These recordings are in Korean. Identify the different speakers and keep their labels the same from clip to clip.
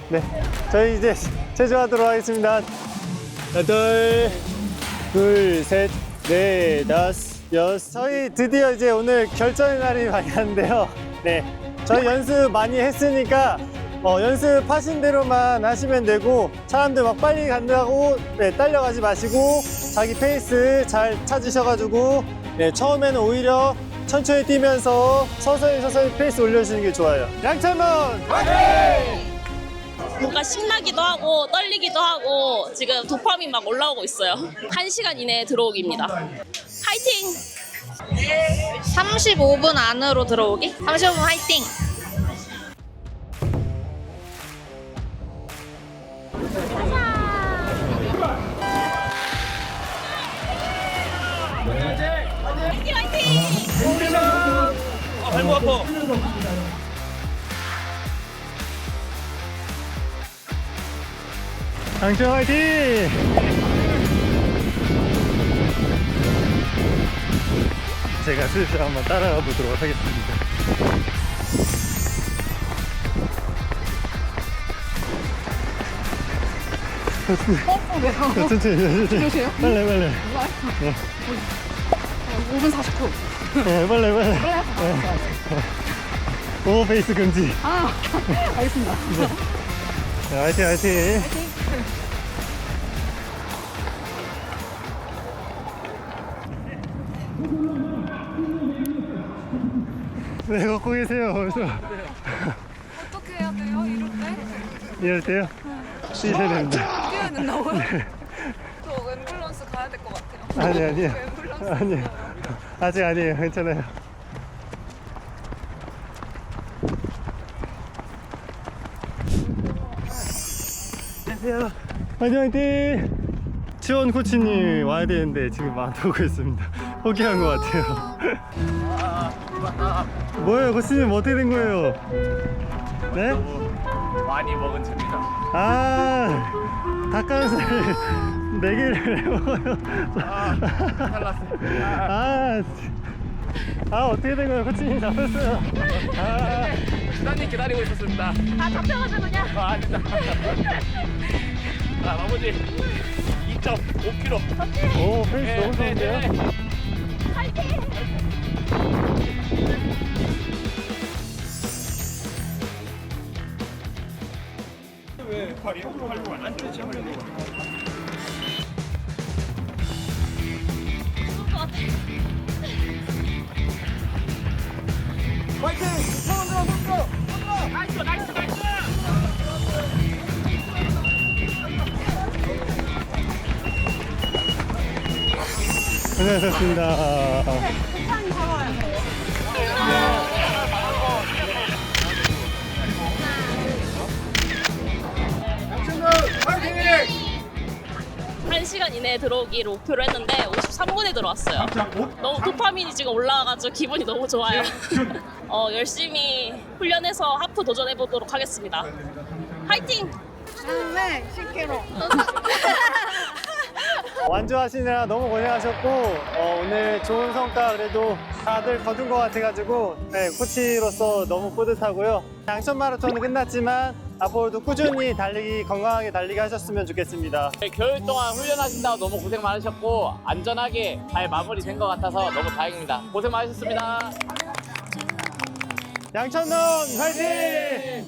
Speaker 1: 네, 저희 이제 체조하도록 하겠습니다. 여덟, 둘, 셋, 넷, 다섯, 여섯. 저희 드디어 이제 오늘 결전의 날이 많이 왔는데요. 네, 저희 연습 많이 했으니까 연습하신 대로만 하시면 되고, 사람들 막 빨리 간다고 네, 딸려가지 마시고 자기 페이스 잘 찾으셔가지고 네, 처음에는 오히려 천천히 뛰면서 서서히 페이스 올려주시는 게 좋아요. 양천문 화이팅!
Speaker 2: 뭔가 신나기도 하고 떨리기도 하고 지금 도파민 막 올라오고 있어요. 1시간 이내에 들어오기입니다. 화이팅! 35분 안으로 들어오기? 35분 화이팅! 화이팅 화이팅!
Speaker 3: 발목 아파.
Speaker 1: 양천 화이팅! 제가 슬슬 한번 따라가 보도록 하겠습니다. 천천히.
Speaker 4: 그러세요?
Speaker 1: 빨리.
Speaker 4: 5분 49.
Speaker 1: 네, 빨리. 오, 페이스 금지.
Speaker 4: 알겠습니다.
Speaker 1: 네, 화이팅. 네, 걷고 계세요. 그래서
Speaker 4: 어떻게 해야 돼요?
Speaker 1: 이럴 때요? 뛰셔야 됩니다.
Speaker 4: 뛰어야 된다고요? 저 앰뷸런스 가야 될 것 같아요.
Speaker 1: 아니에요.
Speaker 4: 앰뷸런스.
Speaker 1: 아니에요. 아직 아니에요. 괜찮아요. 안녕하세요. 화이팅! 지원 코치님 와야 되는데 지금 안 오고 있습니다. 포기한 것 같아요. 뭐예요, 코치님? 어떻게 된 거예요? 네?
Speaker 3: 많이 먹은 죄입니다.
Speaker 1: 닭가슴살 4개를 왜 먹어요?
Speaker 3: 탈났습니다.
Speaker 1: 어떻게 된 거예요? 코치님 잡혔어요.
Speaker 3: 부장님 기다리고 있었습니다.
Speaker 2: 잡혀가지고 그냥
Speaker 3: 아닙니다. 나머지 2.5kg.
Speaker 1: 오, 페이스 너무 좋은데요?
Speaker 3: 왜 팔이요? 팔고 안 되지?
Speaker 1: 고생하셨습니다.
Speaker 2: 한 시간 이내에 들어오기를 목표로 했는데 53분에 들어왔어요. 너무 도파민이 지금 올라와가지고 기분이 너무 좋아요. 열심히 훈련해서 하프 도전해 보도록 하겠습니다. 화이팅!
Speaker 4: 네, 10kg.
Speaker 1: 완주하시느라 너무 고생하셨고 오늘 좋은 성과 그래도 다들 거둔 것 같아가지고 네, 코치로서 너무 뿌듯하고요. 양천 마라톤은 끝났지만 앞으로도 꾸준히 달리기 건강하게 달리게 하셨으면 좋겠습니다.
Speaker 3: 겨울 동안 훈련하신다고 너무 고생 많으셨고 안전하게 잘 마무리된 것 같아서 너무 다행입니다. 고생 많으셨습니다.
Speaker 1: 양천론 화이팅!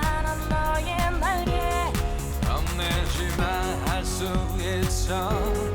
Speaker 5: 겁내지 마 할 수 있어